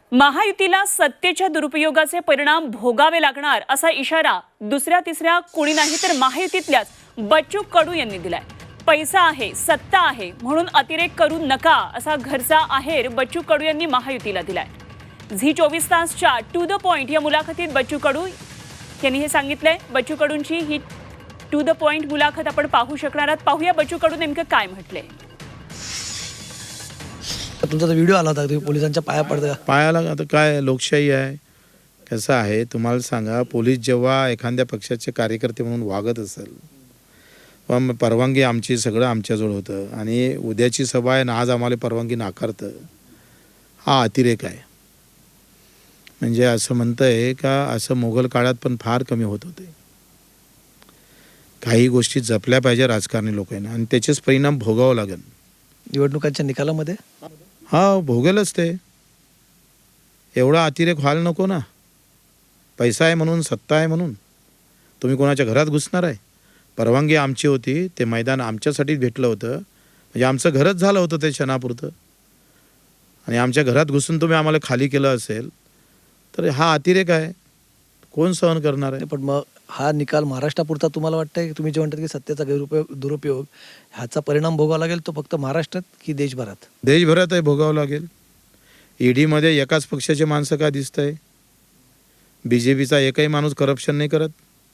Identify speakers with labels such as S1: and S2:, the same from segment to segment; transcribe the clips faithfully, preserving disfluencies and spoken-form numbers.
S1: महायुतीला सत्तेच्या दुरुपयोगाचे परिणाम भोगावे लागणार असा इशारा दुसऱ्या तिसऱ्या कोणी नाही तर महायुतीतल्याच बच्चू कडू यांनी दिलाय। पैसा आहे, सत्ता आहे म्हणून अतिरेक करू नका असा घरचा आहेर बच्चू कडू यांनी महायुतीला दिलाय। झी चोवीस तासच्या टू द पॉइंट या मुलाखतीत बच्चू कडू यांनी हे सांगितलंय। बच्चू कडूंची ही टू द पॉइंट मुलाखत आपण पाहू शकणार आहात। पाहूया बच्चू कडू नेमकं काय म्हटलंय।
S2: तुमचा व्हिडिओ आला होता, तुम्ही पोलिसांच्या पाया पडता।
S3: पायाला आता काय लोकशाही आहे, कसं आहे तुम्हाला सांगा, पोलीस जेव्हा एखाद्या पक्षाचे कार्यकर्ते म्हणून वागत असेल, पण परवानगी आमची सगळं आमच्याजवळ होतं आणि उद्याची सभा आहे ना आज आम्हाला परवानगी नाकारतं, हा अतिरेक आहे। म्हणजे असं म्हणतंय का असं मोगल काळात पण फार कमी होत होते। काही गोष्टी जपल्या पाहिजे राजकारणी लोकांनी आणि त्याचेच परिणाम भोगावं लागेल
S2: निवडणुकांच्या निकालामध्ये।
S3: हा भोगेलच ते, एवढा अतिरेक व्हायला नको ना। पैसा आहे म्हणून, सत्ता आहे म्हणून तुम्ही कोणाच्या घरात घुसणार आहे? परवानगी आमची होती, ते मैदान आमच्यासाठीच भेटलं होतं, म्हणजे आमचं घरच झालं होतं ते क्षणापुरतं, आणि आमच्या घरात घुसून तुम्ही आम्हाला खाली केलं असेल तर हा अतिरेक आहे, कोण सहन करणार आहे?
S2: पण मग हा निकाल महाराष्ट्रापुरता तुम्हाला वाटतंय की तुम्ही जे म्हणतात की सत्तेचा गैरउपयोग दुरुपयोग ह्याचा परिणाम भोगावा लागेल तो फक्त महाराष्ट्रात की देशभरात?
S3: देशभरात आहे, भोगावं लागेल। ईडीमध्ये एकाच पक्षाचे माणसं का दिसतंय? बीजेपीचा एकही माणूस करप्शन नाही करत।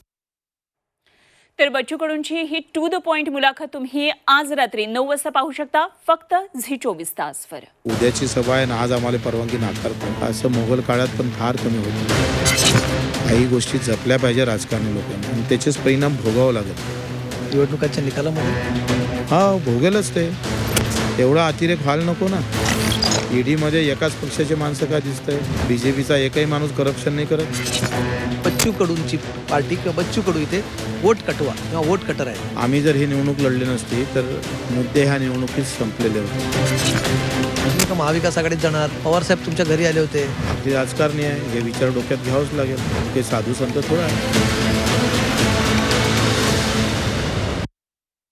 S1: तर बच्चू कडूंची ही टू द पॉइंट मुलाखत तुम्ही आज रात्री नऊ वाजता पाहू शकता फक्त झी चोवीस तासवर।
S3: उद्याची सभा आहे ना आज आम्हाला परवानगी नाकारतं, असं मोगल काळात पण फार कमी होतं। काही गोष्टी जपल्या पाहिजे राजकारणी लोकांनी आणि त्याचेच परिणाम भोगावं लागेल
S2: निवडणुकांच्या निकालामध्ये।
S3: हा भोगेलच ते, एवढा अतिरेक व्हायला नको ना। ईडीमध्ये एकाच पक्षाचे माणसं का दिसतंय? बीजेपीचा एकही माणूस करप्शन नाही करत।
S2: बच्चू कडूंची पार्टी किंवा बच्चू कडू इथे वोट कटवा किंवा वोट कटर आहे।
S3: आम्ही जर ही निवडणूक लढली नसती तर मुद्दे ह्या निवडणुकीत संपलेले होते।
S2: तुम्ही का महाविकास आघाडीत जाणार? पवार साहेब तुमच्या घरी आले होते।
S3: आपली राजकारणी आहे, हे विचार डोक्यात घ्यावंच लागेल, ते साधू संत थोडा आहे।